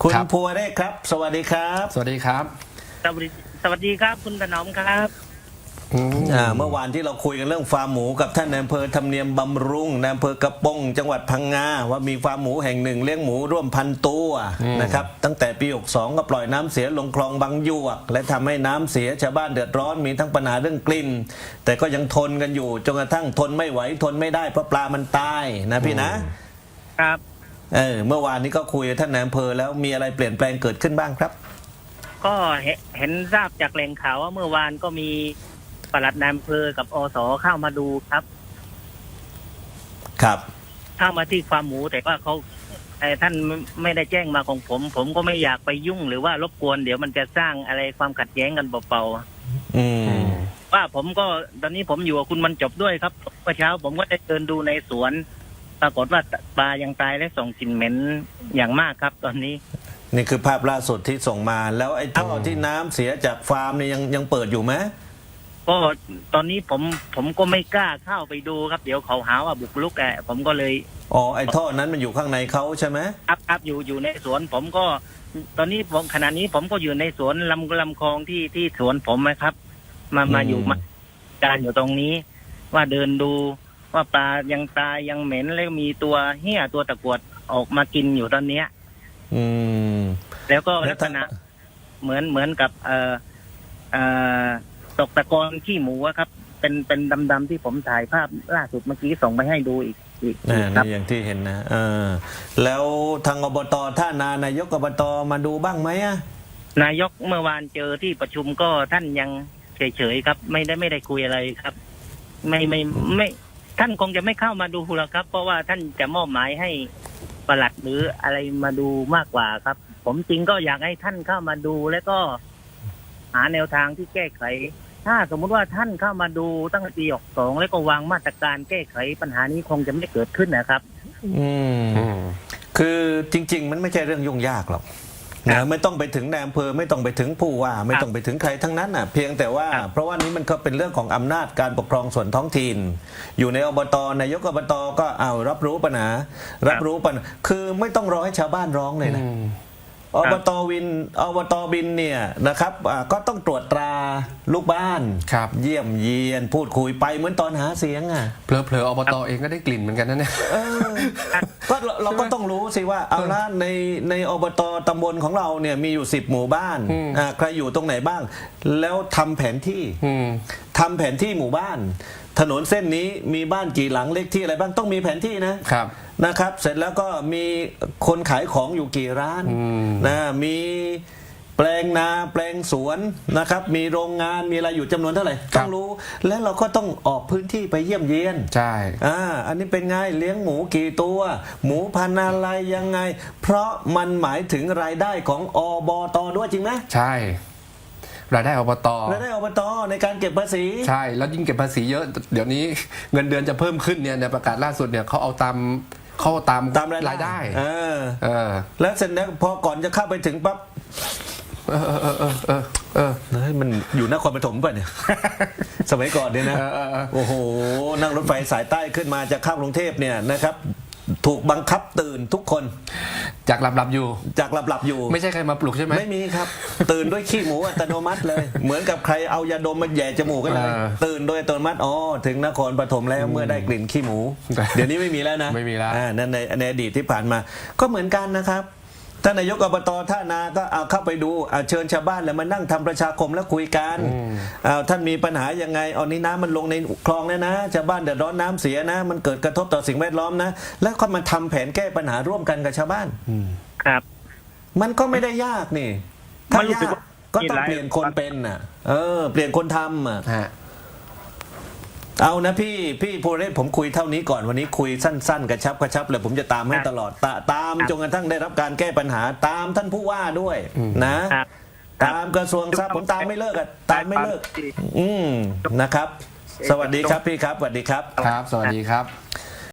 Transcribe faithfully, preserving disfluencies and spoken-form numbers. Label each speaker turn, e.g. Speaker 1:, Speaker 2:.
Speaker 1: คุณ
Speaker 2: ครับ
Speaker 1: ภูวเรศครับสวัสดีครับ
Speaker 2: สวัสดีครับ
Speaker 3: สวัสดีสวัสดีครับคุณถนอมครับ
Speaker 1: อ่าเมื่อวานที่เราคุยกันเรื่องฟาร์มหมูกับท่านนายอำเภอธรรมเนียมบำรุงนายอำเภอกระปงจังหวัดพังงาว่ามีฟาร์มหมูแห่งหนึ่งเลี้ยงหมูร่วมพันตัวนะครับตั้งแต่ปีหกสองก็ปล่อยน้ำเสียลงคลองบางยวกและทำให้น้ำเสียชาวบ้านเดือดร้อนมีทั้งปัญหาเรื่องกลิ่นแต่ก็ยังทนกันอยู่จนกระทั่งทนไม่ไหวทนไม่ได้เพราะปลามันตายนะพี่นะครับเออเมื่อวานนี้ก็คุยกับท่านนายอำเภอแล้วมีอะไรเปลี่ยนแปลงเกิดขึ้นบ้างครับ
Speaker 3: ก็เห็นทราบจากแหล่งข่าวว่าเมื่อวานก็มีปลัดนายอำเภอกับอสเข้ามาดูครับ
Speaker 1: ครับ
Speaker 3: เข้ามาที่ฟาร์มหมูแต่ว่าเขาแต่ท่านไม่ได้แจ้งมาของผม ผมก็ไม่อยากไปยุ่งหรือว่ารบกวนเดี๋ยวมันจะสร้างอะไรความขัดแย้งกันเปล่า
Speaker 1: ๆอืม
Speaker 3: ว่าผมก็ตอนนี้ผมอยู่กับคุณมันจบด้วยครับเมื่อเช้าผมก็ได้เดินดูในสวนปรากฏว่าปลายังตายและส่งกลิ่นเหม็นอย่างมากครับตอนนี้
Speaker 1: นี่คือภาพล่าสุดที่ส่งมาแล้วไอ้ท่อที่น้ำเสียจากฟาร์มเนี่ยยังยังเปิดอยู่ไหม
Speaker 3: ก็ตอนนี้ผมผมก็ไม่กล้าเข้าไปดูครับเดี๋ยวเขาหาว่าบุกรุกแอบผมก็เลย
Speaker 1: อ๋อไอ้ท่อนั้นมันอยู่ข้างในเขาใช่ไหม
Speaker 3: ครับครับอยู่อยู่ในสวนผมก็ตอนนี้ผมขณะนี้ผมก็อยู่ในสวนลำลำคลองที่ที่สวนผมนะครับ มามาอยู่มาการอยู่ตรงนี้ ว่าเดินดูว่าปลายังตายยังเหม็นแล้วมีตัวเหี้ยตัวตะกรวดออกมากินอยู่ตอนเนี้ย
Speaker 1: อืม
Speaker 3: แล้วก็ลักษณะเหมือนเหมือนกับเอ่อเอ่อตกตะกอนขี้หมูครับ เป็นเป็นดำๆที่ผมถ่ายภาพล่าสุดเมื่อกี้ส่งไปให้ดูอีกอีก
Speaker 1: ครับอย่างที่เห็นนะเออแล้วทางอบตท่านานายกอบตมาดูบ้างไหมอะ
Speaker 3: นายกเมื่อวานเจอที่ประชุมก็ท่านยังเฉยๆครับไม่ได้ไม่ได้คุยอะไรครับ ไม่ไม่ไม่ท่านคงจะไม่เข้ามาดูหรอกครับ เพราะว่าท่านจะมอบหมายให้ปลัดหรืออะไรมาดูมากกว่าครับ ผมจริงก็อยากให้ท่านเข้ามาดูแล้วก็หาแนวทางที่แก้ไขถ้าสมมุติว่าท่านเข้ามาดูตั้งแต่ปีหกสองแล้วก็วางมาตรการแก้ไขปัญหานี้คงจะไม่เกิดขึ้นนะครับ
Speaker 1: อืมคือจริงๆมันไม่ใช่เรื่องยุ่งยากหรอกนะไม่ต้องไปถึงนายอำเภอไม่ต้องไปถึงผู้ว่าไม่ต้องไปถึงใครทั้งนั้นอ่ะเพียงแต่ว่าเพราะว่านี้มันก็เป็นเรื่องของอำนาจการปกครองส่วนท้องถิ่นอยู่ในอบตนายกอบตก็เอารับรู้ปัญหารับรู้ปัญหาคือไม่ต้องรอให้ชาวบ้านร้องเลยนะอบตวินอบตบินเนี่ยนะครับก็ต้องตรวจตราลูกบ้านเยี่ยมเยียนพูดคุยไปเหมือนตอนหาเสียงอ่ะ
Speaker 2: เผลอๆอบตเองก็ได้กลิ่นเหมือนกันนะเนี่ย
Speaker 1: ก็เราก็ต้องรู้สิว่าเอาละในในอบตตำบลของเราเนี่ยมีอยู่สิบหมู่บ้านใครอยู่ตรงไหนบ้างแล้วทำแผนที่ทำแผนที่หมู่บ้านถนนเส้นนี้มีบ้านกี่หลังเลขที่อะไรบ้างต้องมีแผนที่นะครับนะครับเสร็จแล้วก็มีคนขายของอยู่กี่ร้านนะมีแปลงนาแปลงสวนนะครับมีโรงงานมีอะไรอยู่จำนวนเท่าไหร่ต้องรู้แล้วเราก็ต้องออกพื้นที่ไปเยี่ยมเยียน
Speaker 2: ใช่
Speaker 1: อ่าอันนี้เป็นไงเลี้ยงหมูกี่ตัวหมูพันธุ์อะไรยังไงเพราะมันหมายถึงรายได้ของอบตด้วยจริงไหม
Speaker 2: ใช่รายได้อบต
Speaker 1: รายได้อบตในการเก็บภาษี
Speaker 2: ใช่แล้วยิ่งเก็บภาษีเยอะเดี๋ยวนี้เงินเดือนจะเพิ่มขึ้นเนี่ยในประกาศล่าสุดเนี่ยเขาเอาตามเขาตาม
Speaker 1: ตามรายได้เออ
Speaker 2: เออ
Speaker 1: แล้วเสร็จแล้วพอก่อนจะเข้าไปถึงปั๊บ
Speaker 2: เออเออเออเออเออ
Speaker 1: มันอยู่นครปฐมป่ะเนี่ยสมัยก่อนเนี่ยนะโอ้โหนั่งรถไฟสายใต้ขึ้นมาจะเข้ากรุงเทพเนี่ยนะครับถูกบังคับตื่นทุกคน
Speaker 2: จากหลับหลับอยู่
Speaker 1: จากหลับหลับอยู่
Speaker 2: ไม่ใช่ใครมาปลุกใช่ไหม
Speaker 1: ไม่มีครับตื่นด้วยขี้หมูอัตโนมัติเลยเหมือนกับใครเอายาดมมาแย่จมูกกันเลยตื่นโดยอัตโนมัติอ๋อถึงนครปฐมแล้วเมื่อได้กลิ่นขี้หมูเดี๋ยวนี้ไม่มีแล้วนะ
Speaker 2: ไม่มีแล้ว
Speaker 1: นั่นในในอดีตที่ผ่านมาก็เหมือนกันนะครับท่านนายกอบตท่านาก็เอาเข้าไปดูเชิญชาวบ้านแล้วมานั่งทำประชาคมแล้วคุยกันท่านมีปัญหายังไงเอานี้น้ำมันลงในคลองแล้วนะชาวบ้านเดือดร้อนน้ำเสียนะมันเกิดกระทบต่อสิ่งแวดล้อมนะแล้วก็มาทำแผนแก้ปัญหาร่วมกันกับชาวบ้าน
Speaker 3: ครับ
Speaker 1: มันก็ไม่ได้ยากนี่ถ้ายากก็ต้องเปลี่ยนคนเป็นอ่ะเออเปลี่ยนคนทำอ่ะเอานะพี่พี่ภูเรศผมคุยเท่านี้ก่อนวันนี้คุยสั้นๆกระชับกระชับเลยผมจะตามให้ตลอดตามจนกระทั่งได้รับการแก้ปัญหาตามท่านผู้ว่าด้วยนะตามกระทรวงทรัพย์ผมตามไม่เลิกอ่ะตามไม่เลิกอืมนะครับสวัสดีครับพี่ครับสวัสดีครับ
Speaker 2: ครับสวัสดีครับ